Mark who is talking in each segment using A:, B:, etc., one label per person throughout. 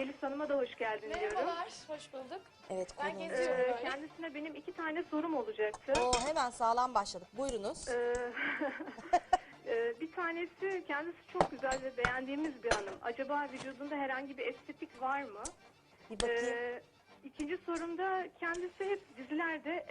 A: Yeliz Hanım'a da hoş geldin diyorum.
B: Merhabalar, hoş bulduk.
C: Evet,
B: Ben
C: konuğumuz.
B: geziyorum böyle.
A: Kendisine benim 2 tane sorum olacaktı.
C: Hemen sağlam başladık. Buyurunuz.
A: Bir tanesi, kendisi çok güzel ve beğendiğimiz bir hanım. Acaba vücudunda herhangi bir estetik var mı?
C: Bir bakayım.
A: İkinci sorumda kendisi hep dizilerde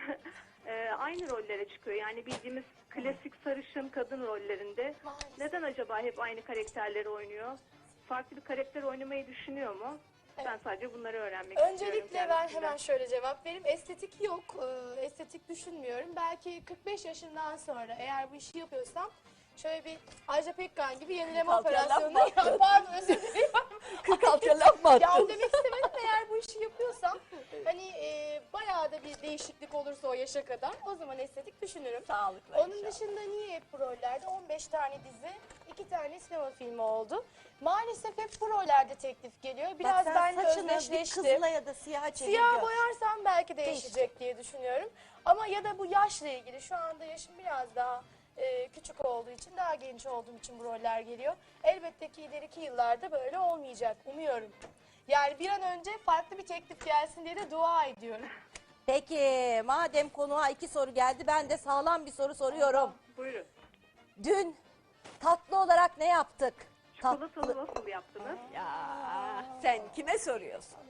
A: aynı rollere çıkıyor. Yani bildiğimiz klasik sarışın kadın rollerinde.
B: Maalesef.
A: Neden acaba hep aynı karakterleri oynuyor? Farklı bir karakter oynamayı düşünüyor mu?
B: Evet.
A: Ben sadece bunları öğrenmek istiyorum.
B: Öncelikle ben
A: kendisinden.
B: hemen şöyle cevap vereyim. Estetik yok, estetik düşünmüyorum. Belki 45 yaşından sonra eğer bu işi yapıyorsam şöyle bir Ajda Pekkan gibi yenileme operasyonunu pardon özür dilerim.
C: 46 laf mı
B: Ya
C: attın?
B: demek istemedim eğer bu işi yapıyorsam hani bayağı da bir değişiklik olursa o yaşa kadar o zaman estetik düşünürüm.
C: Sağlıklı
B: Onun
C: inşallah.
B: dışında niye hep bu rollerde 15 tane dizi, 2 tane sinema filmi oldu. Maalesef hep bu rollerde teklif geliyor. Biraz
C: Bak sen
B: benimle
C: saçını bir
B: özdeşleştim.
C: kızıla ya da siyaha çevir.
B: Siyah
C: gör.
B: boyarsam belki değişecek diye düşünüyorum. Ama ya da bu yaşla ilgili şu anda yaşım biraz daha küçük olduğu için, daha genç olduğum için bu roller geliyor. Elbette ki ileriki yıllarda böyle olmayacak. Umuyorum. Yani bir an önce farklı bir teklif gelsin diye de dua ediyorum.
C: Peki madem konuğa 2 soru geldi, ben de sağlam bir soru soruyorum.
A: Buyurun.
C: Dün tatlı olarak ne yaptık?
A: Çikolatalı waffle yaptınız.
D: Ya sen kime soruyorsun?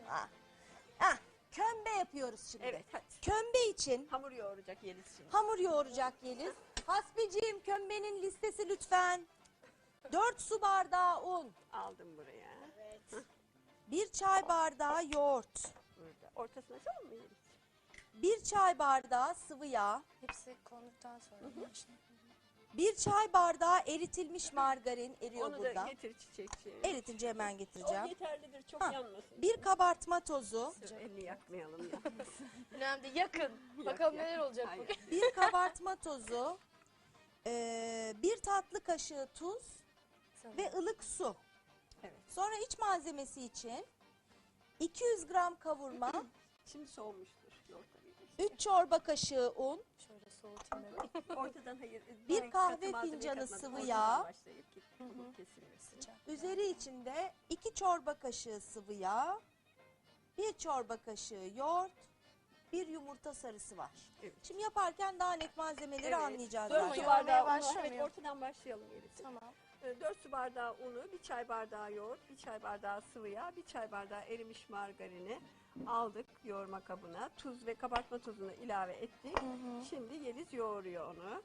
C: Kömbe yapıyoruz şimdi.
D: Evet hadi.
C: Kömbe için
D: Hamur yoğuracak Yeliz şimdi.
C: hamur yoğuracak Yeliz. Hasbiciğim, kömbenin listesi lütfen. 4 su bardağı un,
D: Aldım buraya.
C: 1 çay bardağı yoğurt,
D: Burada. Ortasına açalım mı Yeliz?
C: 1 çay bardağı sıvı yağ,
B: Hepsi konduktan sonra.
C: 1 çay bardağı eritilmiş margarin eriyor
D: Onu
C: burada.
D: da getir çiçekçi.
C: Eritince hemen
D: O
C: getireceğim.
D: yeterlidir çok
C: Ha,
D: yanmasın.
C: 1 kabartma tozu,
D: Dur, elini yakmayalım ya.
B: Önemli değil, yakın. Bakalım
D: yak.
B: neler olacak
D: Hayır.
B: bugün.
C: 1 kabartma tozu, 1 tatlı kaşığı tuz ve ılık su.
D: Evet.
C: Sonra iç malzemesi için 200 gram kavurma,
D: Şimdi soğumuştur. Yoğurtla birleştir.
C: 3 çorba kaşığı un,
B: Şöyle soğutayım ben.
D: Ortadan hayır.
C: Bir
D: ben
C: kahve
D: katı malzeme
C: fincanı
D: katmadım.
C: sıvı
D: Ortadan
C: yağ.
D: başlayıp ki hamur kesilmesin.
C: üzeri içinde 2 çorba kaşığı sıvı yağ, 1 çorba kaşığı yoğurt, 1 yumurta sarısı var.
D: Evet.
C: Şimdi yaparken daha net malzemeleri anlayacağız.
D: 4
B: Ama
D: su
B: yoğurmaya
D: bardağı unu.
B: başlamıyor.
D: Evet ortadan başlayalım Yeliz.
B: Tamam.
D: 4 su bardağı unu, 1 çay bardağı yoğurt, 1 çay bardağı sıvı yağ, 1 çay bardağı erimiş margarini aldık yoğurma kabına. Tuz ve kabartma tozunu ilave ettik. Şimdi Yeliz yoğuruyor onu.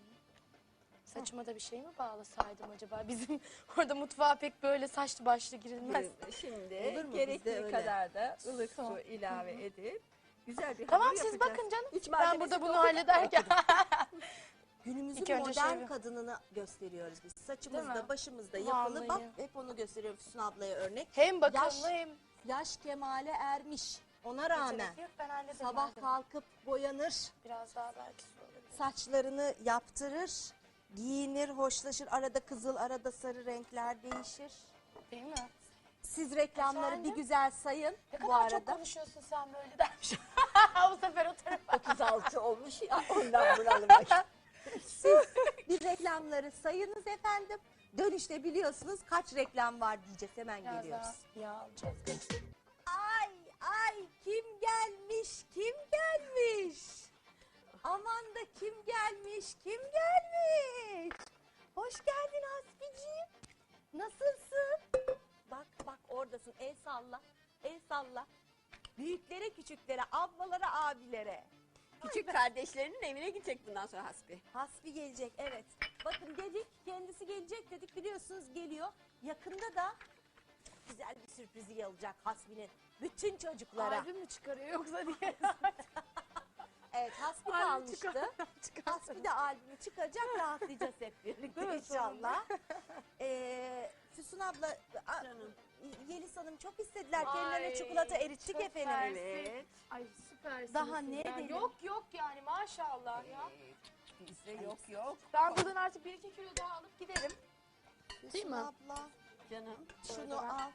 B: Saçıma da bir şey mi bağlasaydım acaba? Bizim orada mutfağa pek böyle saçlı başlı girilmez.
D: Şimdi
C: Olur mu? Bizde
D: gerektiği
C: öyle.
D: kadar da ılık
B: Son.
D: su ilave edip güzel bir
B: Tamam
D: hamur
B: siz
D: yapacağız.
B: bakın canım.
D: İç
B: Ben
D: malzemesi
B: burada bunu
D: de
B: hallederken.
C: Günümüzün
B: İlk önce
C: modern
B: şey-
C: kadınını gösteriyoruz biz.
B: Değil
C: Saçımızda,
B: mi?
C: başımızda yapılı.
B: Vallahi.
C: Bak hep onu gösteriyorum Füsun ablaya örnek.
B: Hem bakımlı
C: Yaş-
B: hem...
C: Yaş kemale ermiş. Ona rağmen
B: Yetenek yok, ben hallederim.
C: sabah
B: hallederim.
C: kalkıp boyanır,
B: Biraz daha belki su olabilir.
C: saçlarını yaptırır, giyinir, hoşlaşır. Arada kızıl, arada sarı renkler değişir.
B: Değil mi?
C: Siz reklamları
B: Efendim?
C: bir güzel sayın
B: Ne
C: bu
B: kadar çok
C: arada.
B: konuşuyorsun sen böyle dermiş. Bu sefer o tarafa.
D: 36 olmuş ya ondan bunalıma.
C: Siz bir reklamları sayınız efendim. Dönüşte biliyorsunuz kaç reklam var diyeceğiz, hemen
B: Biraz
C: geliyoruz.
B: daha yağ alacağız.
C: Ay ay, kim gelmiş, kim gelmiş? Aman da kim gelmiş, kim gelmiş? Hoş geldin Hasbiciğim. Nasılsın? Bak bak oradasın, el salla, el salla. Büyüklere, küçüklere, ablalara, abilere.
D: Küçük kardeşlerinin evine gidecek bundan sonra Hasbi.
C: Hasbi gelecek, evet. Bakın dedik, kendisi gelecek dedik, biliyorsunuz geliyor. Yakında da güzel bir sürprizi olacak Hasbi'nin bütün çocuklara.
B: Albüm mü çıkarıyor yoksa diye.
C: Evet, Hasbi
B: Albüm
C: kalmıştı. Hasbi de albümü çıkacak, rahatlayacağız hep birlikte
B: Değil mi?
C: inşallah. Füsun abla,
D: Canım.
C: Yeliz Hanım çok istediler.
B: Ay,
C: Kendilerine çikolata erittik
B: çok
C: efendim.
B: mersi.
D: Evet.
B: Ay süpersiniz.
C: Daha
B: siz
C: ne
B: ya.
C: edelim?
B: Yok yok yani maşallah ya.
D: Bizde yok yok.
B: Ben buradan artık 1-2 kilo daha alıp giderim.
C: Füsun
B: mi?
C: abla,
D: Canım.
C: şunu al.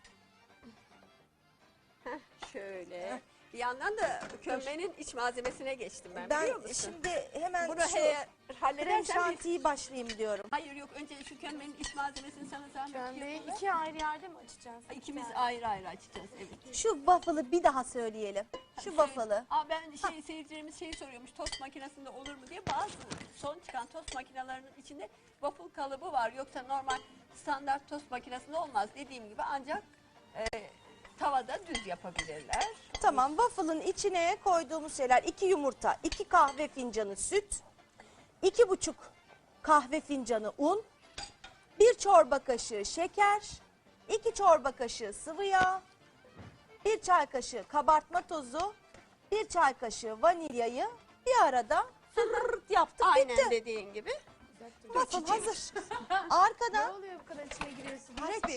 D: Şöyle. Bir yandan da kömbenin iç malzemesine geçtim ben,
C: Ben
D: biliyor musun?
C: şimdi hemen
D: Bunu
C: şu
D: eğer
C: krem
D: halledersen bir...
C: şantiyi başlayayım diyorum.
D: Ha, Hayır yok, önce şu kömbenin iç malzemesini sana zahmet
B: Kömbeyi
D: yapalım.
B: iki ayrı yerde mi açacağız?
D: İkimiz ayrı ayrı açacağız, evet.
C: Şu waffle'ı bir daha söyleyelim. Şu waffle'ı.
D: Ben seyircilerimiz soruyormuş, tost makinesinde olur mu diye. Bazı son çıkan tost makinelerinin içinde waffle kalıbı var. Yoksa normal standart tost makinesinde olmaz. Dediğim gibi ancak tavada düz yapabilirler.
C: Tamam, waffle'ın içine koyduğumuz şeyler 2 yumurta, 2 kahve fincanı süt, 2,5 kahve fincanı un, 1 çorba kaşığı şeker, 2 çorba kaşığı sıvı yağ, 1 çay kaşığı kabartma tozu, 1 çay kaşığı vanilyayı bir arada fırrt yaptık,
D: Aynen
C: bitti.
D: dediğin gibi.
C: Waffle hazır.
B: Ne
C: Arkadan
B: oluyor bu kadar içine giriyorsun?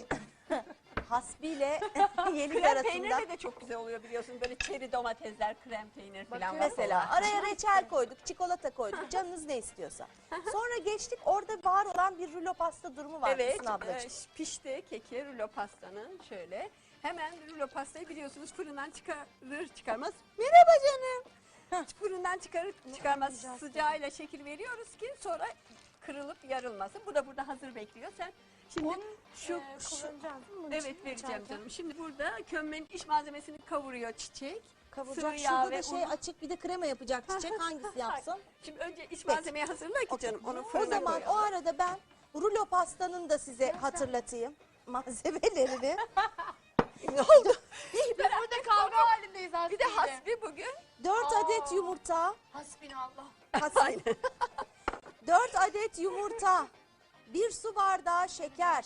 C: hasbiyle yelik
D: Krem
C: arasında.
D: peynirle de çok güzel oluyor biliyorsun. Böyle çeri domatesler, krem peynir falan var.
C: Mesela araya reçel koyduk, çikolata koyduk, canınız ne istiyorsa. Sonra geçtik, orada var olan bir rulo pasta durumu var
D: Evet,
C: Füsun ablacığım.
D: pişti keki rulo pastanın şöyle. Hemen rulo pastayı biliyorsunuz fırından çıkarır çıkarmaz. Merhaba canım. Fırından çıkarır çıkarmaz sıcağıyla şekil veriyoruz ki sonra kırılıp yarılmasın. Bu da burada hazır bekliyor. Sen şimdi şu
B: kullanacağız değil mi bunun
D: evet
B: için?
D: vereceğim
B: İçeride.
D: canım. Şimdi burada kömbenin iç malzemesini kavuruyor Çiçek.
C: Kavuracak,
D: sıvı yağ
C: şurada
D: ve
C: da şey
D: unu.
C: açık, bir de krema yapacak Çiçek, hangisi yapsın?
D: Şimdi önce iç malzemeyi hazırla ki canım. Onu
C: O
D: fırına
C: zaman
D: koyalım.
C: o arada ben rulo pastanın da size hatırlatayım malzemelerini.
D: Ne oldu?
B: Biz burada kavga halindeyiz aslında.
D: Bir de hasbi bugün.
C: 4 adet yumurta,
B: Hasbinallah.
D: Aynen.
C: 4 adet yumurta, 1 su bardağı şeker,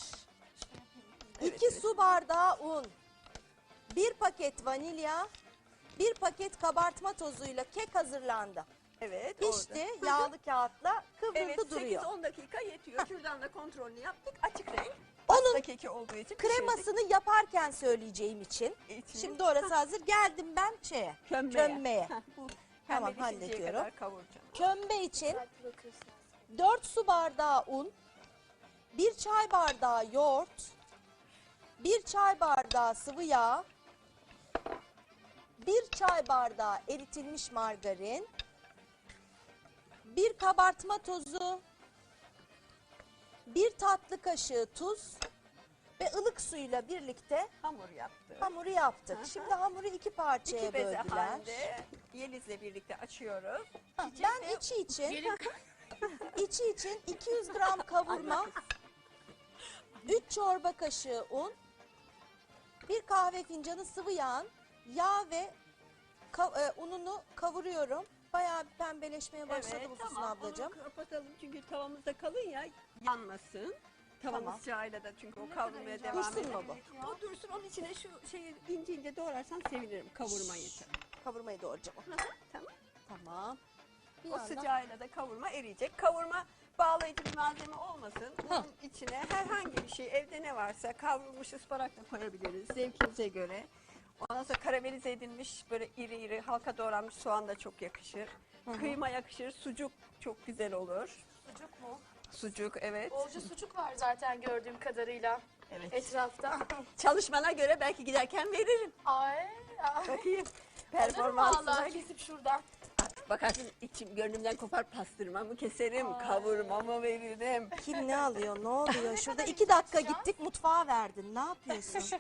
C: 2 su bardağı un, 1 paket vanilya, 1 paket kabartma tozuyla kek hazırlandı.
D: Evet.
C: Pişti,
D: orada.
C: yağlı kağıtla kıvrıldı
D: Evet,
C: duruyor.
D: 8-10 dakika yetiyor. Şuradan da kontrolünü yaptık. Açık renk.
C: Onun
D: Pasta keki olduğu için
C: kremasını yaparken söyleyeceğim için.
D: İçini.
C: Şimdi orası hazır. Geldim ben şeye. Kömbeye.
D: Heh, bu
C: Tamam,
D: pembeleşinceye
C: hallediyorum.
D: kadar kavuracağım.
C: Kömbe için
B: Dikkatli bakıyorsun.
C: 4 su bardağı un, 1 çay bardağı yoğurt, 1 çay bardağı sıvı yağ, 1 çay bardağı eritilmiş margarin, 1 kabartma tozu, 1 tatlı kaşığı tuz ve ılık suyla birlikte
D: Hamur yaptık.
C: hamuru yaptık.
D: Hı hı.
C: Şimdi hamuru 2 parçaya
D: İki beze
C: böldüler.
D: halinde Yeliz'le birlikte açıyoruz.
C: Ben içi için 200 gram kavurma, 3 çorba kaşığı un, 1 kahve fincanı sıvı yağ ve ununu kavuruyorum. Bayağı bir pembeleşmeye başladı bu Füsun ablacığım.
D: Onu kapatalım çünkü tavamızda kalın ya yanmasın. Tavanın
C: Tamam.
D: sıcağıyla da çünkü o kavrulmaya devam
C: Dursun
D: ediyor.
C: mu bu?
D: O dursun, onun içine şu şeyi ince ince doğrarsan sevinirim kavurmayı.
C: Kavurmayı doğrayacağım.
D: Tamam.
C: Tamam. Bir
D: O
C: yandan-
D: sıcağıyla da kavurma eriyecek. Kavurma bağlayıcı bir malzeme olmasın. Bunun içine herhangi bir şey, evde ne varsa kavrulmuş ıspanak da koyabiliriz zevkinize göre. Ondan sonra karamelize edilmiş böyle iri iri halka doğranmış soğan da çok yakışır. Kıyma yakışır, sucuk çok güzel olur.
B: Sucuk mu?
D: Sucuk evet.
B: Bolca sucuk var zaten gördüğüm kadarıyla
D: Evet.
B: etrafta.
D: Çalışmana göre belki giderken veririm.
B: Ay.
D: Bakayım.
B: Alırım
D: Performansına.
B: vallahi kesip şuradan.
D: Bakarsın içim gönlümden kopar, pastırmamı keserim, kavurmamı veririm.
C: Kim ne alıyor, ne oluyor? Şurada 2 dakika gittik, mutfağa verdin. Ne yapıyorsun?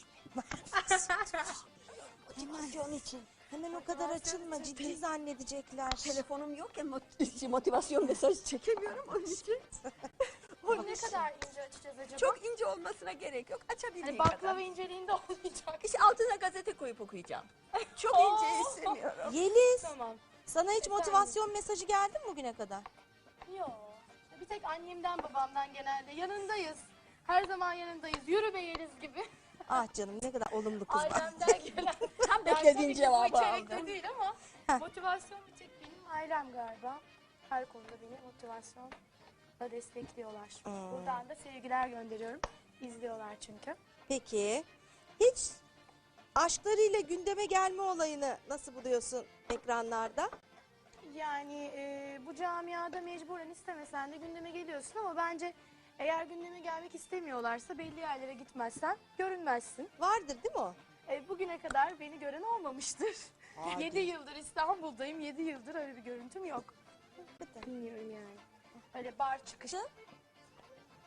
C: Motivasyon için. Hemen o kadar açılma, ciddi zannedecekler.
D: Telefonum yok ya motivasyon mesajı çekemiyorum onun için.
B: Bunu ne kadar ince açacağız acaba?
D: Çok ince olmasına gerek yok. Açabildiğin
B: Hani
D: kadar.
B: baklava inceliğinde olmayacak.
D: İşte altına gazete koyup okuyacağım. Çok ince istemiyorum.
C: Yeliz,
B: Tamam.
C: sana hiç motivasyon mesajı geldi mi bugüne kadar?
B: Yok. Bir tek annemden babamdan genelde yanındayız. Her zaman yanındayız. Yürü be Yeliz gibi.
C: Ah canım, ne kadar olumlu kız var.
B: Ailemden gelen.
D: Tam
B: Yani
D: beklediğin
B: tabii ki
D: cevabı
B: bu içerikte
D: aldım.
B: değil ama
C: Heh.
B: motivasyon bir tek benim ailem galiba. Her konuda beni motivasyonla destekliyorlar. Buradan da sevgiler gönderiyorum. İzliyorlar çünkü.
C: Peki, hiç aşklarıyla gündeme gelme olayını nasıl buluyorsun ekranlarda?
B: Yani bu camiada mecburen istemesen de gündeme geliyorsun ama bence eğer gündeme gelmek istemiyorlarsa belli yerlere gitmezsen görünmezsin.
C: Vardır değil mi o?
B: Bugüne kadar beni gören olmamıştır.
C: Hadi.
B: 7 yıldır İstanbul'dayım. 7 yıldır öyle bir görüntüm yok. Bilmiyorum yani. Öyle bar çıkışı.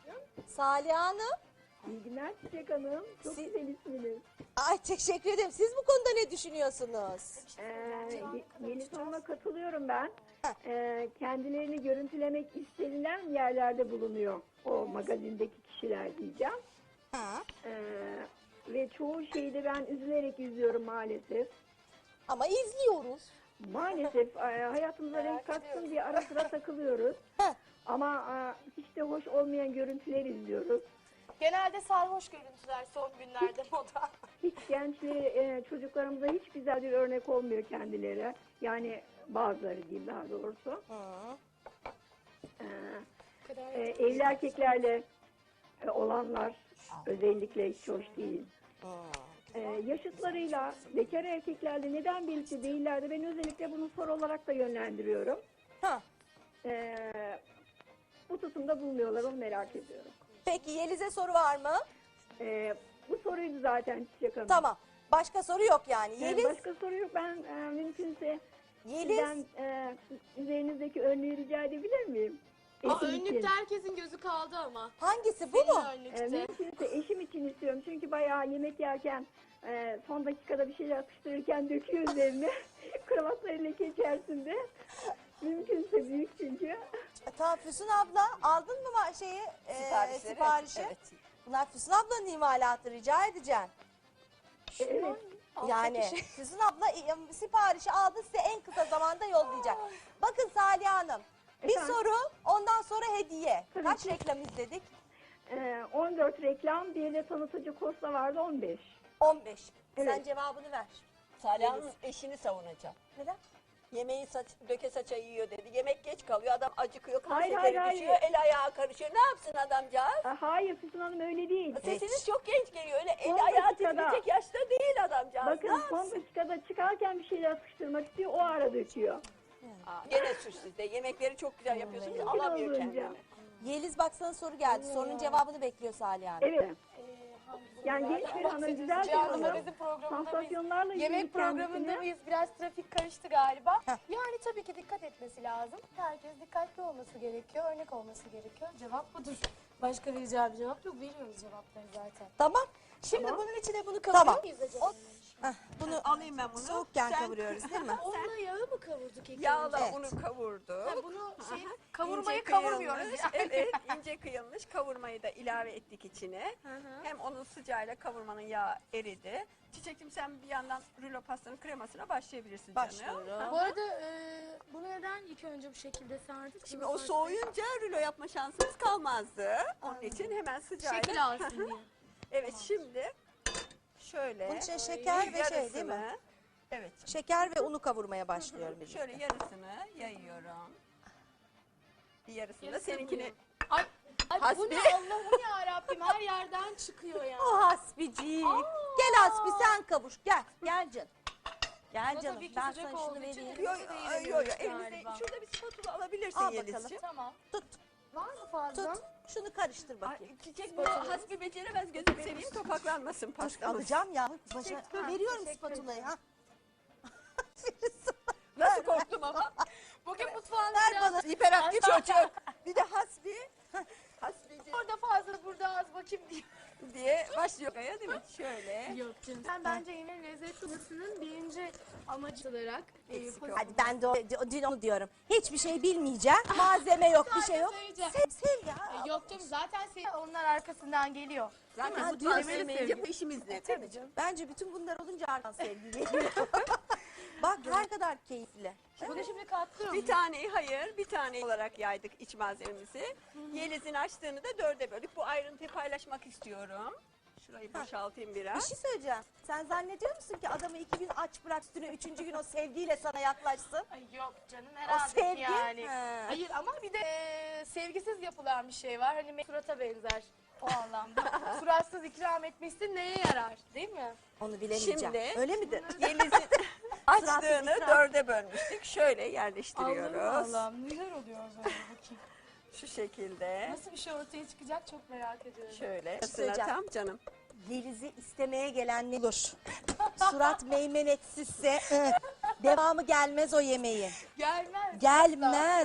C: Salih Hanım.
E: İyi günler Çiçek Hanım. Çok
C: Siz-
E: güzel isminiz.
C: Ay teşekkür ederim. Siz bu konuda ne düşünüyorsunuz?
E: Yeni soruma katılıyorum ben. Kendilerini görüntülemek istenilen yerlerde bulunuyor o magazindeki kişiler diyeceğim.
C: Ha.
E: Ve çoğu şeyi de ben üzülerek izliyorum maalesef.
C: Ama izliyoruz.
E: Maalesef hayatımıza renk katsın diye ara sıra takılıyoruz.
C: Heh.
E: Ama hiç de hoş olmayan görüntüler izliyoruz.
B: Genelde sarhoş görüntüler son günlerde moda.
E: Hiç gençliğe, çocuklarımıza hiç güzel bir örnek olmuyor kendileri. Yani bazıları diyeyim daha doğrusu.
C: Hı.
E: Evli erkeklerle olanlar özellikle hiç hoş değil. Yaşıtlarıyla bekar erkeklerle neden birlikte değillerdi? Ben özellikle bunu soru olarak da yönlendiriyorum.
C: Ha.
E: Bu tutumda bulmuyorlar, onu merak ediyorum.
C: Peki Yeliz'e soru var mı?
E: Bu soruydu zaten Çiçek Hanım.
C: Tamam. Başka soru yok yani. Yeliz,
E: Başka soru yok. Ben mümkünse
C: Yeliz.
E: sizden üzerinizdeki önlüğü rica edebilir miyim?
B: Aa,
E: Eşim için.
B: önlükte herkesin gözü kaldı ama.
C: Hangisi bu mu?
B: Önlükte.
E: Mümkünse eşim için istiyorum. Çünkü bayağı yemek yerken son dakikada bir şeyler atıştırırken döküyor üzerine. Kravatları leke içerisinde. Mümkünse büyük çünkü.
C: Tamam Füsun abla aldın mı şeyi siparişi?
F: Evet.
C: Bunlar Füsun ablanın imalatı rica edeceğim.
E: Evet.
C: Yani Füsun abla siparişi aldı size en kısa zamanda yollayacak. Bakın Salih Hanım bir
E: Efendim?
C: soru ondan sonra hediye.
E: Tabii
C: Kaç
E: ki.
C: reklam izledik?
E: 14 reklam, bir de tanıtıcı kosta vardı 15.
C: 15. Sen
E: Evet.
C: cevabını ver.
F: Salih Hanım eşini savunacağım.
C: Neden?
F: Yemeği döke saça yiyor dedi. Yemek geç kalıyor. Adam acıkıyor. Kan
E: Hayır,
F: şekeri
E: hayır,
F: düşüyor. El ayağı karışıyor. Ne yapsın adamcağız?
E: Hayır Füsun Hanım öyle değil.
F: Sesiniz çok genç geliyor. Öyle el
E: Son
F: ayağı
E: dakikada.
F: titreyecek yaşta değil adamcağız.
E: Bakın
F: Ne
E: son
F: yapsın?
E: dakikada çıkarken bir şeyler atıştırmak istiyor, o ara döküyor.
F: Gene suç sizde. Yemekleri çok güzel yapıyorsunuz.
E: Mümkün
F: Alamıyor
E: olunca.
F: kendini.
C: Yeliz bak sana soru geldi. Sorunun cevabını bekliyor Salih Hanım.
E: Evet. Yani genç bir hanım, güzel bir
B: Cihan
E: hanım.
B: magazin programında mıyız?
E: Sansasyonlarla
B: Yemek
E: ilgili
B: programında
E: kendisine.
B: mıyız? Biraz trafik karıştı galiba.
C: Heh.
B: Yani tabii ki dikkat etmesi lazım. Herkes dikkatli olması gerekiyor, örnek olması gerekiyor. Cevap budur. Başka vereceğim bir cevap yok. Veriyoruz cevapları zaten.
C: Tamam.
B: Şimdi bunun içine bunu kavuruyor
C: Tamam.
B: muyuz acaba?
C: Bunu
F: Alayım ben bunu.
C: soğukken
F: Sen-
C: kavuruyoruz değil mi?
B: Onunla yağı mı kavurduk ilk
F: Yağla
B: önce?
F: bunu kavurduk.
B: Ha, bunu kavurmayı
F: İnce
B: kavurmuyoruz
F: kıyılmış,
B: yani.
F: Evet, ince kıyılmış kavurmayı da ilave ettik içine. Hem onun sıcağıyla kavurmanın yağı eridi. Çiçekçim sen bir yandan rulo pastanın kremasına başlayabilirsin canım.
C: Başlıyorum.
B: Bu arada bunu neden ilk önce bu şekilde sardık?
F: Şimdi o soğuyunca rulo yapma şansımız kalmazdı. Onun için hemen sıcağıyla.
B: şekil alsın diye.
F: Evet şimdi şöyle.
C: Bunun içine şeker ve şey değil mi?
F: yarısını- Evet.
C: Şeker ve unu kavurmaya başlıyorum birlikte.
F: Şöyle yarısını yayıyorum. Bir yarısını da
B: Yarısı
F: seninkini.
B: Ay bu
F: Hasbi.
B: ne Allah'ım ya Rabbim her yerden çıkıyor ya.
C: O hasbicik. Gel Hasbi sen kavuş. Gel. Gel canım. Gel
B: Ama
C: canım.
B: tabii ki
C: Ben
B: sıcak
C: sana şunu
B: olduğu için
C: vereyim.
B: de-
F: Yo yo yo. Elimizde
B: Galiba.
F: şurada bir spatula alabilirsin
C: Al
F: Yelizciğim.
C: bakalım.
B: Tamam.
C: Tut.
B: Var mı fazla?
C: Tut. Şunu karıştır bakayım.
F: Ay, çiçek bunu hasbi beceremez gözüm seveyim topaklanmasın
C: Dur
F: pastamız.
C: alacağım ya. Başa,
B: Teşekkür-
C: veriyorum
B: teşekkür
C: spatulayı ha.
F: Nasıl korktum ama.
B: Bugün mutfağın
C: Ver
B: biraz
C: bana.
F: Hiperaktif çocuk. Bir de hasbi. Hasbici
B: orada fazla burada az bakayım diye.
F: diye başlıyor Kaya değil mi? Şöyle.
B: Yok canım. Ben bence yemeğin lezzetli olmasının birinci amacı olarak
F: Eksik yok.
C: Hadi ben de dün onu diyorum. Hiçbir şey bilmeyeceğim. Malzeme yok, bir şey yok.
B: söyleyeceğim.
C: Sev ya.
B: Yok canım zaten onlar arkasından geliyor.
F: Zaten
C: Ha,
F: mutfağı
C: diyorsun.
F: sevmeyince bu işimiz ne? Tabii canım.
C: Bence bütün bunlar olunca arkan sevgi geliyor. Bak ne kadar keyifli.
B: Bunu şimdi katlıyorum.
F: Bir taneyi hayır, bir tane olarak yaydık iç malzememizi. Yeliz'in açtığını da dörde böldük. Bu ayrıntıyı paylaşmak istiyorum. Şurayı boşaltayım
C: Bir
F: biraz.
C: şey söyleyeceğim. Sen zannediyor musun ki adamı 2 gün aç bırak üstüne 3. gün o sevgiyle sana yaklaşsın?
B: Ay yok canım
C: O
B: herhalde
C: sevgi.
B: yani.
C: He.
B: Hayır ama bir de sevgisiz yapılan bir şey var. Hani surata benzer o anlamda. Suratsız ikram etmişsin neye yarar değil mi?
C: Onu bilemeyeceğim.
F: Şimdi-
C: Öyle midir?
F: Yeliz'in açtığını
C: ikram.
F: dörde bölmüştük. Şöyle yerleştiriyoruz.
B: Allah'ım neler oluyor böyle bakayım.
F: Şu şekilde.
B: Nasıl bir şey ortaya çıkacak çok merak ediyorum.
F: Şöyle.
C: söyleyeceğim.
F: Tam canım.
C: Yeliz'i istemeye gelen ne olur? Surat meymenetsizse devamı gelmez o yemeğin.
B: Gelmez.
C: Gelmez. O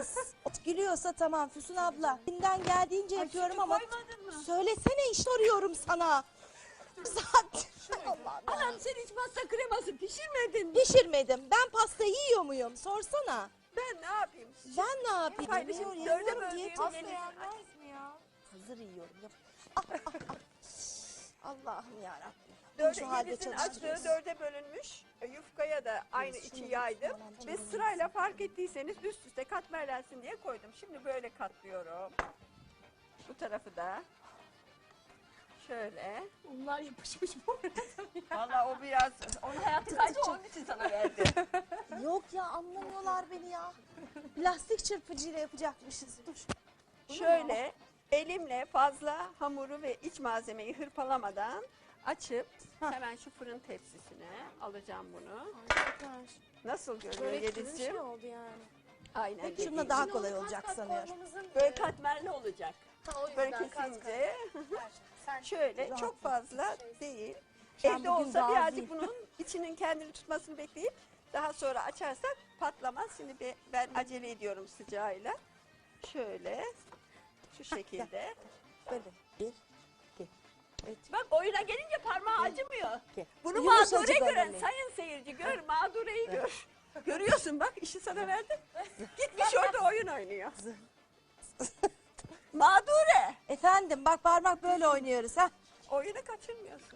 C: Gülüyorsa tamam Füsun abla. Elimden geldiğince yapıyorum ama
F: Koymadın mı?
C: söylesene iş arıyorum sana. Zaten Allah'ım.
F: Anam sen hiç pasta kreması pişirmedin mi?
C: Pişirmedim. Ben pasta yiyor muyum? Sorsana.
F: Ben ne yapayım?
C: Ben ne yapayım?
F: Paylaşım
C: Yiyorum,
F: dörde
C: yiyorum,
F: böleyim.
C: diyet-
F: Yeni-
B: mi ya?
C: Hazır yiyorum. Yap. Ah, ah, ah. Allah'ım yarabbim.
F: Dörde
C: Şu halde
F: yedisinin
C: çalıştırıyorsun.
F: açtığı dörde bölünmüş. Yufkaya da aynı
C: Evet,
F: içi
C: şunu
F: yaydım.
C: tamam,
F: Ve
C: tamam.
F: sırayla fark ettiyseniz üst üste katmerlensin diye koydum. Şimdi böyle katlıyorum. Bu tarafı da. Şöyle.
B: Bunlar yapışmış bu arada.
F: Valla o biraz, onun hayatı kaydı onun için sana verdi.
C: Yok ya anlamıyorlar beni ya. Lastik çırpıcıyla yapacakmışız. Dur.
F: Şöyle elimle fazla hamuru ve iç malzemeyi hırpalamadan açıp hemen şu fırın tepsisine alacağım bunu. Nasıl görünüyor
B: Börek gibi bir
F: Yelizciğim?
B: şey oldu yani.
F: Aynen
C: Şununla
F: dediğim
C: daha
F: gibi.
C: kolay olacak sanıyorum.
F: Böyle katmerli olacak. Böyle kesince
B: Sen
F: şöyle
C: Rahat
F: çok fazla değil.
C: Ben
F: Evde
C: bugün
F: olsa
C: razıyım.
F: birazcık bunun içinin kendini tutmasını bekleyip daha sonra açarsak patlamaz. Şimdi ben acele ediyorum sıcağıyla. Şöyle şu şekilde.
C: Böyle. Bir, iki.
F: Bak oyuna gelince parmağı acımıyor.
C: iki.
F: Bunu
C: Yumuşacık
F: mağdure görün.
C: önemli.
F: Sayın seyirci gör, mağdureyi gör. Görüyorsun bak işi sana verdim. Gitmiş orada oyun oynuyor. Mağdure.
C: Efendim bak parmak böyle oynuyoruz ha.
F: Oyunu kaçırmıyorsun.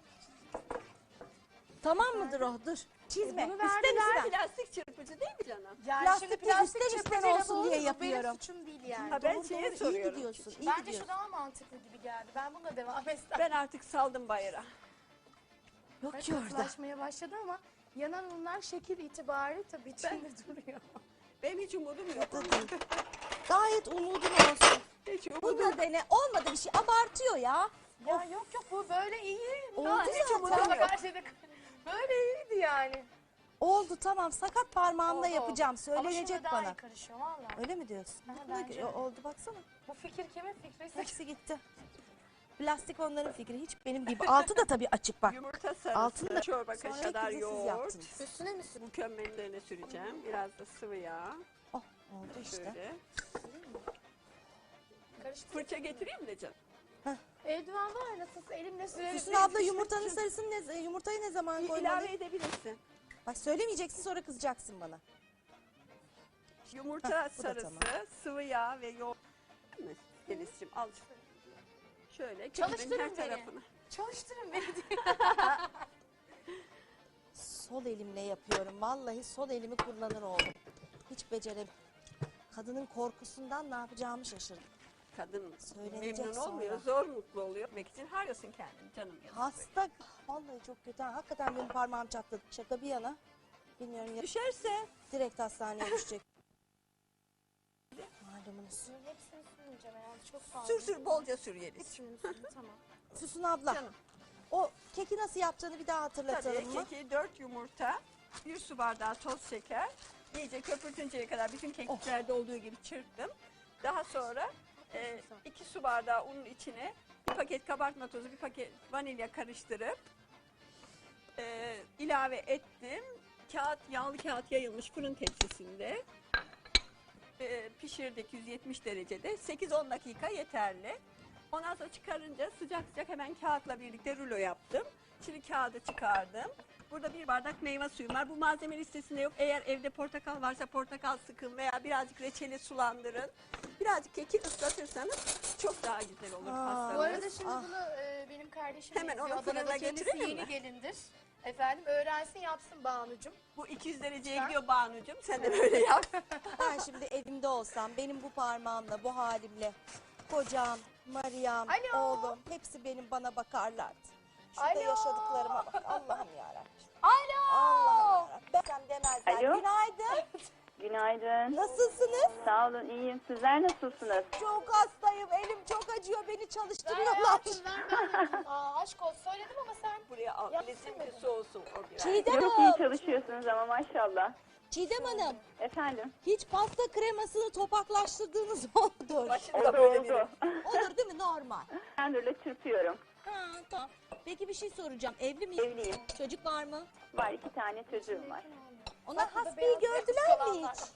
C: Tamam mıdır o? Dur. Çizme.
B: bunu
C: İster
B: verdiler.
C: istemez.
F: Plastik çırpıcı değil mi canım?
B: Yani
C: Plastik
B: şimdi
C: değil,
B: plastik
C: ister istemez
B: çırpıcıyla
C: olsun
B: bu
C: diye
B: olur.
C: yapıyorum.
B: Benim suçum değil yani.
F: Ha, ben
C: Doğru,
F: şeye
C: doğru, iyi
F: soruyorum.
C: gidiyorsun. iyi
B: Bence
C: gidiyorsun.
B: şu daha mantıklı gibi geldi. Ben bununla devam etsem.
F: Ben artık saldım bayrağı.
C: Yok ki orada.
B: Katılaşmaya başladı ama yanan unlar şekil itibariyle tabii içinde duruyor.
F: Benim hiç umudum yok.
C: Da değil. Gayet umudun olsun.
F: Hiç umudum
C: Bu da dene. Olmadı bir şey. Abartıyor ya.
B: Ya yok bu böyle iyi.
C: Oldu
B: Ya, hiç
C: zaten.
B: umudum yok. Böyle iyiydi yani.
C: Oldu tamam. Sakat parmağımla
B: Oldu.
C: yapacağım.
B: Ama
C: Söylenecek
B: şimdi daha iyi
C: bana.
B: karışıyor valla.
C: Öyle mi diyorsun?
B: Ha,
C: Ne
B: bence
C: gö-
B: de.
C: oldu baksana.
B: Bu fikir kimin fikri?
C: Hepsi gitti. Plastik onların fikri. Hiç benim gibi. Altı da tabii açık bak.
F: Yumurta
C: Altını da
F: sarısı, çorba
C: sonra
F: kaşığı kadar
C: hepinizi siz
F: yoğurt.
C: yaptınız.
B: Üstüne mi sürüyorsun?
F: Mükemmellerine süreceğim. Biraz da sıvı yağ.
C: Oh oldu işte.
F: Şöyle.
B: Karıştır.
F: Fırça getireyim mi de canım?
B: Eldiven var nasıl elimle sürerim.
C: Füsun abla yumurtanın sarısını yumurtayı ne zaman koymalı?
F: İlave edebilirsin.
C: Bak söylemeyeceksin sonra kızacaksın bana.
F: Yumurta
C: Hah, bu da
F: sarısı,
C: tamam.
F: sıvı yağ ve yoğurt. Değil mi? Denizciğim al. Şöyle köpüğün her
B: Çalıştırın beni.
F: tarafını.
B: Çalıştırın beni diyor.
C: Sol elimle yapıyorum. Vallahi sol elimi kullanır oldum. Hiç beceremiyorum. Kadının korkusundan ne yapacağımı şaşırdım.
F: Kadın
C: Söylenecek
F: memnun
C: sonra.
F: olmuyor, zor mutlu oluyor. Demek için harcasın kendini canım. yazık.
C: Hasta. Vallahi çok kötü. Ha, hakikaten benim parmağım çatladı. Şaka bir yana. Bilmiyorum ya.
F: Düşerse
C: Direkt hastaneye düşecek. Malumunuz.
B: Hepsini sürmeyeceğim herhalde çok fazla.
F: sür sür bolca sür Yeliz.
B: Hepsini sürün tamam.
C: Füsun abla.
F: Canım.
C: O keki nasıl yapacağını bir daha hatırlatalım
F: Tabii
C: mı?
F: keki 4 yumurta, 1 su bardağı toz şeker, iyice köpürtünceye kadar bütün kekiklerde olduğu gibi çırptım. Daha sonra 2 su bardağı unun içine bir paket kabartma tozu, bir paket vanilya karıştırıp ilave ettim. Yağlı kağıt yayılmış fırın tepsisinde pişirdik 170 derecede. 8-10 dakika yeterli. Ondan sonra çıkarınca sıcak sıcak hemen kağıtla birlikte rulo yaptım. Şimdi kağıdı çıkardım. Burada bir bardak meyve suyum var. Bu malzeme listesinde yok. Eğer evde portakal varsa portakal sıkın veya birazcık reçeli sulandırın. Birazcık keki ıslatırsanız çok daha güzel olur pastanız.
B: Bu arada şimdi
C: Ah.
B: bunu benim kardeşim
F: Hemen
B: izliyor.
F: onu fırına
B: Adana'da kendisi
F: götürelim
B: yeni
F: mi?
B: gelindir. Efendim öğrensin yapsın Banu'cum.
F: Bu 200 dereceye gidiyor Banu'cum. Sen de böyle yap.
C: Ben şimdi evimde olsam benim bu parmağımla, bu halimle kocam, Meryem,
B: Alo.
C: oğlum hepsi benim bana bakarlardı. Şurada
B: Alo.
C: yaşadıklarıma bak. Allah'ım yarabbim.
B: Alo.
C: Allah'ım yarabbim. Ben demezler.
G: Alo.
C: Günaydın.
G: Günaydın.
C: Nasılsınız?
G: Sağ olun, iyiyim. Sizler nasılsınız?
C: Çok hastayım. Elim çok acıyor. Beni
B: Ver
C: çalıştırıyorlar.
B: hayatım ver ben. Aşk olsun söyledim ama sen.
F: Buraya al. Lezzim bir soğusun o biraz.
C: Çiğdem
G: Çok iyi
C: Hanım.
G: çalışıyorsunuz ama maşallah.
C: Çiğdem Hanım.
G: Efendim?
C: Hiç pasta kremasını topaklaştırdığınız olmuyor.
F: Başında
G: Oldu
F: böyle biri.
G: oldu.
C: Olur değil mi? Normal.
G: Tenderle çırpıyorum.
C: Ha, tamam. Peki bir şey soracağım. Evli mi?
G: Evliyim.
C: Çocuk var mı?
G: Var 2 tane çocuğum var.
C: Onlar
B: Bak, burada
C: hastayı
B: beyaz
C: gördüler mi
B: kalanlar.
C: hiç?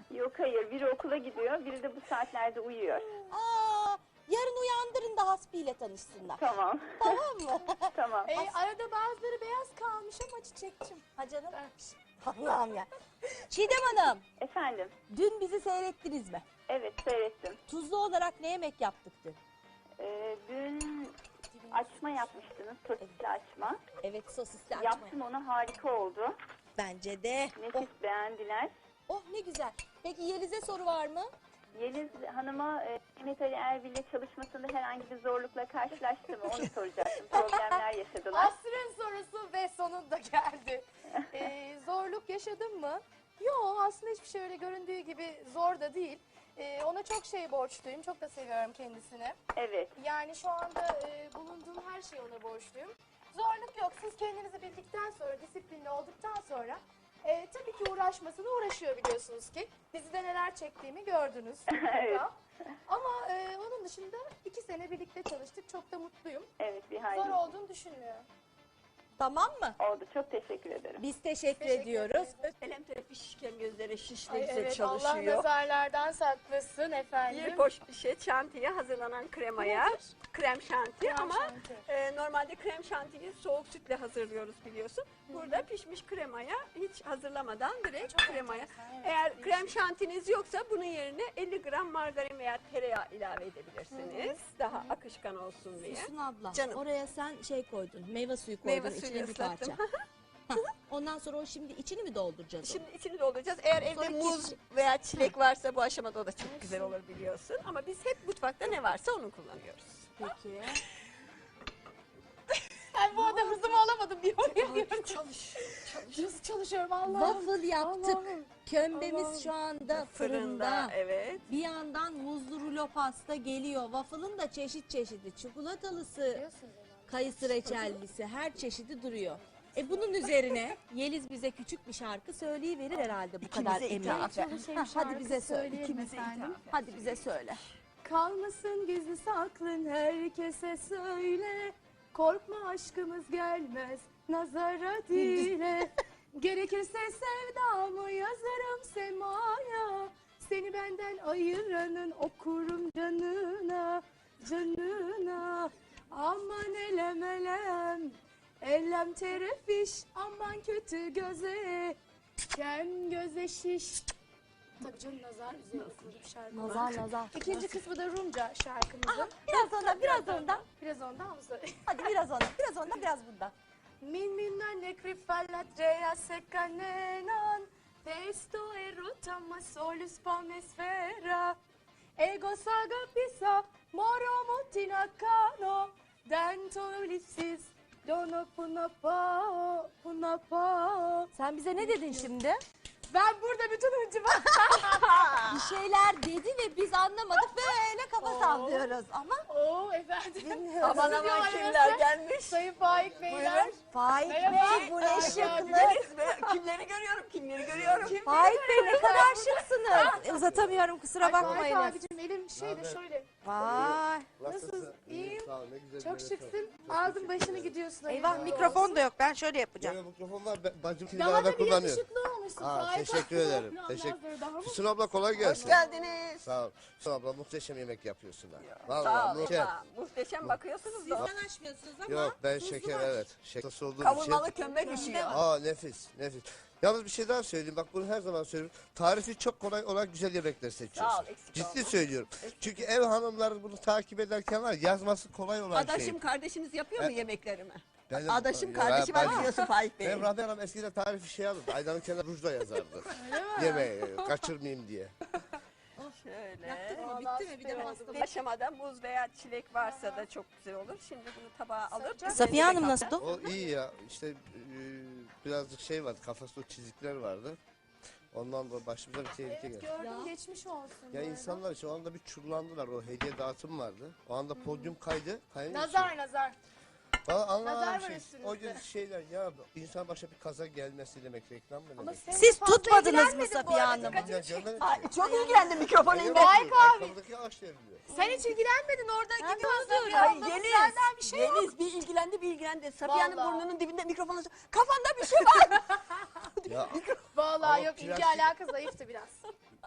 G: Yok hayır, biri okula gidiyor, biri de bu saatlerde uyuyor.
C: Aa, yarın uyandırın da hasbiyle tanışsınlar.
G: Tamam.
C: Tamam mı?
G: Tamam.
B: Arada bazıları beyaz kalmış ama Çiçekçim.
C: Ha canım. Allah'ım ya. Çiğdem Hanım,
G: Efendim,
C: dün bizi seyrettiniz mi?
G: evet seyrettim.
C: Tuzlu olarak ne yemek yaptık dün?
G: Dün açma yapmıştınız, sosisli açma.
C: Evet, sosisli açma.
G: Yaptım onu, harika oldu.
C: Bence de.
G: Nefis beğendiler.
C: Oh ne güzel. Peki Yeliz'e soru var mı?
G: Yeliz Hanım'a Mehmet Ali Erbil'le çalışmasında herhangi bir zorlukla karşılaştı mı? Onu soracaktım. Problemler yaşadılar.
B: Asrın sorusu ve sonunda geldi. Zorluk yaşadın mı? Yok, aslında hiçbir şey öyle göründüğü gibi zor da değil. Ona çok şey borçluyum. Çok da seviyorum kendisini.
G: Evet.
B: Yani şu anda bulunduğum her şeyi ona borçluyum. Zorluk yok. Siz kendinizi bildikten sonra, disiplinli olduktan sonra tabii ki uğraşmasına uğraşıyor biliyorsunuz ki. Dizide neler çektiğimi gördünüz.
G: Evet.
B: Ama onun dışında 2 sene birlikte çalıştık. Çok da mutluyum.
G: Evet, bir
B: Zor
G: hayli
B: olduğunu düşünmüyorum.
C: Tamam mı?
G: oldu. Çok teşekkür ederim.
C: Biz teşekkür ediyoruz.
F: Elem tarafı şişken, gözleri şiş ne
B: Ay,
F: güzel
B: evet, Allah
F: çalışıyor.
B: nazarlardan saklasın efendim.
F: Bir poşet şantiye hazırlanan kremaya, krem şanti
B: Krem
F: ama
B: şanti.
F: normalde krem şantiyi soğuk sütle hazırlıyoruz biliyorsun. Burada pişmiş kremaya hiç hazırlamadan direkt kremaya.
B: enteresan, evet,
F: Eğer
B: değişik.
F: krem şantiniz yoksa bunun yerine 50 gram margarin veya tereyağı ilave edebilirsiniz. Daha akışkan olsun diye.
C: Füsun abla,
F: Canım.
C: oraya sen şey koydun, meyve suyu koydun,
F: Meyve suyu
C: içine bir parça.
F: ıslattım.
C: Hah, ondan sonra o şimdi içini mi dolduracağız?
F: Şimdi içini dolduracağız. Eğer evde
C: Sonra
F: muz veya çilek varsa bu aşamada o da çok güzel olur biliyorsun. Ama biz hep mutfakta ne varsa onu kullanıyoruz.
C: Peki.
B: Ben bu adam hızımı alamadım diyor.
F: Çalış.
B: Nasıl çalışıyorum Allah'ım.
C: Waffle yaptık.
B: Allah'ım.
C: Kömbemiz
B: Allah'ım.
C: şu anda fırında.
F: Evet.
C: Bir yandan muzlu rulo pasta geliyor. Waffle'ın da çeşit çeşidi. Çikolatalısı, kayısı reçellisi, her çeşidi duruyor. Bunun üzerine Yeliz bize küçük bir şarkı söyleyiverir herhalde bu kadar
F: İkimize
C: emeği.
F: ithaf.
C: Hadi bize söyle.
B: Söyleyelim efendim.
C: Hadi bize söyle.
B: Kalmasın gizli saklın herkese söyle. Korkma aşkımız gelmez nazara dile. Gerekirse sevdamı yazarım semaya. Seni benden ayıranın okurum canına, canına. Aman elem elem, elem terefiş. Aman kötü göze, kem göze şiş. Tabii canım nazar üzerine kurulu şarkı.
C: Nazar.
B: İkinci kısmı da Rumca şarkımızın.
C: Biraz ondan, biraz ondan.
B: Biraz ondan mı söyleyeyim?
C: Hadi biraz ondan, biraz ondan, biraz bundan.
B: Min minne crifallatrea secanenan testo erotama solus palmesfera ego saga pisa moro mutina cano dento lipsis dono punapa.
C: Sen bize ne dedin şimdi?
B: Ben burada bütün hıncımı
C: Bir şeyler dedi ve biz anlamadık. Böyle kafa sallıyoruz ama
B: Oo efendim.
C: bilmiyoruz.
F: Aman
B: Stüdyo
F: aman
B: arası.
F: kimler gelmiş.
B: Sayın Faik Beyler.
C: Faik
B: Merhaba.
C: Bey bu ne şıklık.
F: Kimleri görüyorum, kimleri görüyorum.
C: Faik Bey ne kadar şıksınız. Uzatamıyorum kusura
B: Faik
C: bakmayın.
B: abicim elim şöyle şöyle.
C: Vay.
B: Nasılsın? İyiyim.
H: Sağ ol, ne güzel
B: Çok
H: bir yere
B: şıksın. Aldın başını gidiyorsun.
C: Eyvah
B: hayırlı
C: mikrofon
B: olsun.
C: da yok. Ben şöyle yapacağım.
H: Böyle mikrofon var. Bacım
B: Daha
H: kirada
B: da bir
H: kullanıyor.
B: yakışıklı olmuşsun.
H: Aa,
B: Faik
H: teşekkür
B: abi.
H: ederim.
B: Ondan
H: Teşekkür.
B: sonra daha mı?
H: Füsun abla kolay gelsin.
F: Hoş geldiniz.
H: Sağ ol. Füsun abla muhteşem yemek yapıyorsun ha.
F: Sağ
H: Vallahi
F: olun.
H: muhteşem.
F: Muhteşem bakıyorsunuz da.
C: Sizden açmıyorsunuz ama.
H: Yok ben şeker evet. Şeker olduğum için.
F: Kavurmalı kömbe düşüyor.
H: Aa nefis nefis. Yalnız bir şey daha söyleyeyim. Bak bunu her zaman söylüyorum. Tarifi çok kolay olan güzel yemekler seçiyorsun.
F: Sağ ol, eksik
H: Ciddi
F: olma.
H: söylüyorum. Çünkü ev hanımları bunu takip ederken var yazması kolay olan şey.
F: Adaşım kardeşiniz yapıyor mu yemeklerimi?
H: Benim-
F: Adaşım
H: Ya,
F: kardeşi
H: ben-
F: var biliyorsun Faik Bey.
H: Benim Rabia Hanım eskiden tarifi şey alırdı. Aydan'ın kenarına rujla yazardı. Yemeği kaçırmayayım diye.
F: Şöyle.
C: Bitti mi? Bir de bastım.
F: Bir aşamada muz veya çilek varsa da çok güzel olur. Şimdi bunu tabağa alıp...
C: Safiye Hanım nasıl?
H: O iyi ya. İşte birazcık şey vardı. Kafasında çizikler vardı. Ondan da başımıza bir tehlike geldi.
B: Gördüm geçmiş olsun.
H: Ya
B: bu arada.
H: insanlar şu anda bir çullandılar. O hediye dağıtım vardı. O anda podyum kaydı.
B: Nazar nazar.
H: Valla anlamadım
B: nazar var
H: şey.
B: üstünüzde.
H: O gün şeyler ya insan başa bir kaza gelmesi demek reklam mı
B: Ama
H: demek?
B: sen
C: Siz
B: fazla
C: tutmadınız mı
B: ilgilenmedin bu
C: Safiye
B: arada,
C: Hanım?
B: dikkatimi
H: Ya
B: çekti.
H: görmedim
F: Ay,
H: ki.
F: çok ilgilendim mikrofon elinde.
B: Faik abi.
H: Arkamdaki ağaç devriliyor.
B: Sen hiç ilgilenmedin orada gidiyorsun.
F: Ay
B: Yeliz.
F: Yeliz,
B: Senden bir şey yok.
F: Yeliz bir ilgilendi. Safiye'nin
B: Vallahi.
F: burnunun dibinde mikrofonu kafanda bir şey var.
H: Ya
B: Vallahi
H: Ama
B: yok ilgi
H: plastik-
B: alaka zayıftı biraz.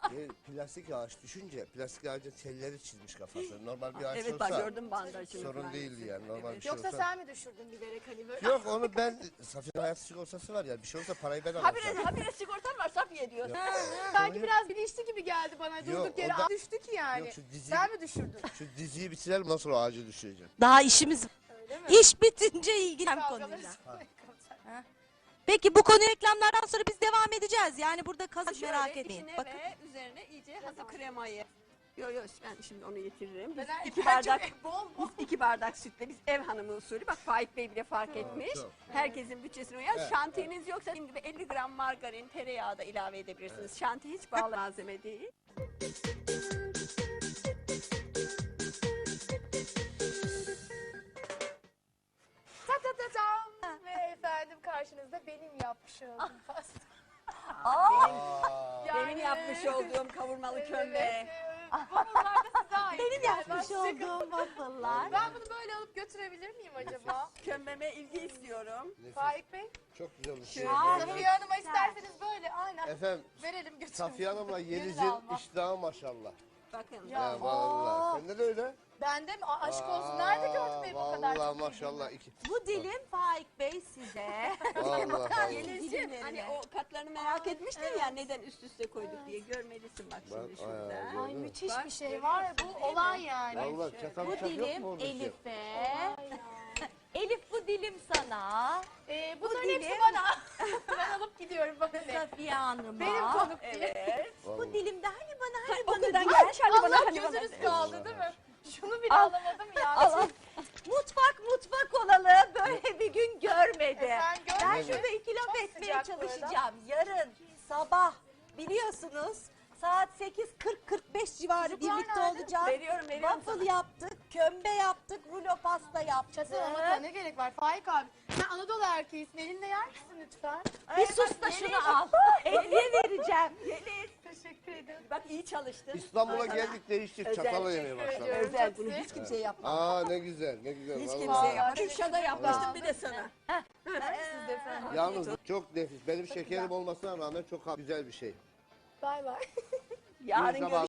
H: Plastik ağaç düşünce plastik ağacın telleri çizmiş kafası. Normal bir ağaç
F: Evet
H: olsa
F: bak gördüm bandajını.
H: sorun
F: falan.
H: değildi yani. Normal bir şey
B: Yoksa
H: olsa.
B: sen mi düşürdün bilerek hani böyle?
H: Yok onu ben Safiye hayat sigortası var ya bir şey olsa parayı ben
F: Habire,
H: alacağım.
F: habire sigortan var Safiye diyor.
B: Sanki biraz bilinçli gibi geldi bana.
H: Yok,
B: Durduk yere
H: o da-
B: düştü ki yani.
H: Yok, şu diziyi-
B: Sen mi düşürdün?
H: Şu diziyi bitirelim ondan sonra ağacı düşüreceğim.
C: Daha işimiz
B: Öyle mi?
C: İş bitince ilgilen
B: Kavgaları
C: konuyla.
B: sonra-
C: Peki bu konu reklamlardan sonra biz devam edeceğiz. Yani burada kazık
F: Şöyle
C: merak etmeyin.
F: içine
C: Bakın.
F: ve üzerine iyice hazır kremayı. Yok yok ben şimdi onu getiririm. Biz
B: Ben-
F: 2
B: ben
F: bardak
B: çok bol bol.
F: 2 bardak sütle biz ev hanımı usulü bak Faik Bey bile fark etmiş.
H: çok.
F: Herkesin bütçesine uyar.
H: Evet,
F: Şantiyeniz yoksa dediğim gibi 50 gram margarin, tereyağı da ilave edebilirsiniz. Şantiye hiç bağlı malzeme değil.
B: Ta ta ta tam. Ve efendim karşınızda benim yapmış olduğum pasta. Yani-
F: Benim yapmış olduğum kavurmalı kömbe.
B: Evet, waffle'lar da size ait.
C: Benim
B: Yani
C: yapmış
B: ben-
C: olduğum waffle'lar.
B: Ben bunu böyle alıp götürebilir miyim acaba?
F: Kömbeme ilgi istiyorum.
B: Faik Bey.
H: Çok güzel bir şey.
B: Safiye Hanım'a isterseniz böyle aynen
H: Efendim
B: verelim götürelim.
H: Safiye Hanım'la
B: Gönül
H: Yeliz'in
B: alma.
H: iştahı maşallah.
F: Bakın.
H: Ya vallahi. Sende de öyle.
B: Bende mi? Aşk olsun. Nerede gördün benim o kadar?
H: Vallahi maşallah. iki.
C: Bu dilim Faik Bey size.
H: Vallahi.
F: Yeliz'ciğim hani o katlarını merak etmiştin ya neden üst üste koyduk diye görmelisin bak şimdi
H: Bak,
F: şurada.
B: Ay müthiş bir şey var ya bu olay yani.
H: Vallahi çatal
C: Bu
H: bıçak yok mu
C: dilim
H: orada?
C: Elif'e. Elif bu dilim sana.
B: Bunların hepsi
C: dilim-
B: bana. Ben alıp gidiyorum bana ne?
C: Safiye Hanım'a.
B: Benim konuk diye.
F: Evet.
C: Bu dilimde hani bana hani bana.
F: Okudan gelmiş hani bana
B: Allah
F: hani bana.
B: gözünüz kaldı değil mi? Şunu bile alamadım ya.
C: Mutfak olalı böyle bir gün görmedi.
B: Sen
C: Ben
B: görmedin.
C: şurada 2 laf
B: Çok
C: etmeye
B: sıcak
C: çalışacağım. Yarın sabah biliyorsunuz saat 8:40-45 civarı
B: Çocuklar
C: birlikte
B: nerede?
C: olacağız.
F: Veriyorum
C: Waffle yaptık, kömbe yaptık, rulo pasta yaptık.
B: Çatılmamakla ne gerek var Faik abi? Sen Anadolu erkeğisin. Elinde yer misin lütfen?
C: Bir sus da şunu al. Hediye vereceğim.
B: Teşekkür ederim.
F: Bak iyi çalıştın.
H: İstanbul'a geldik değiştik.
F: Özel.
H: Çatala yemeye
B: Teşekkür
H: başladık.
B: ediyorum.
F: Özel bunu hiç kimseye yapma.
H: Aa ne güzel ne güzel.
F: Hiç
H: vallahi.
F: kimseye yapma. Kürşat'a yapmıştım bir de sana.
B: Siz de efendim.
H: Yalnız çok nefis. Benim şekerim olmasına rağmen çok güzel bir şey.
B: Bay bay.
F: Yarın
H: Bir zaman-
F: görüşürüz.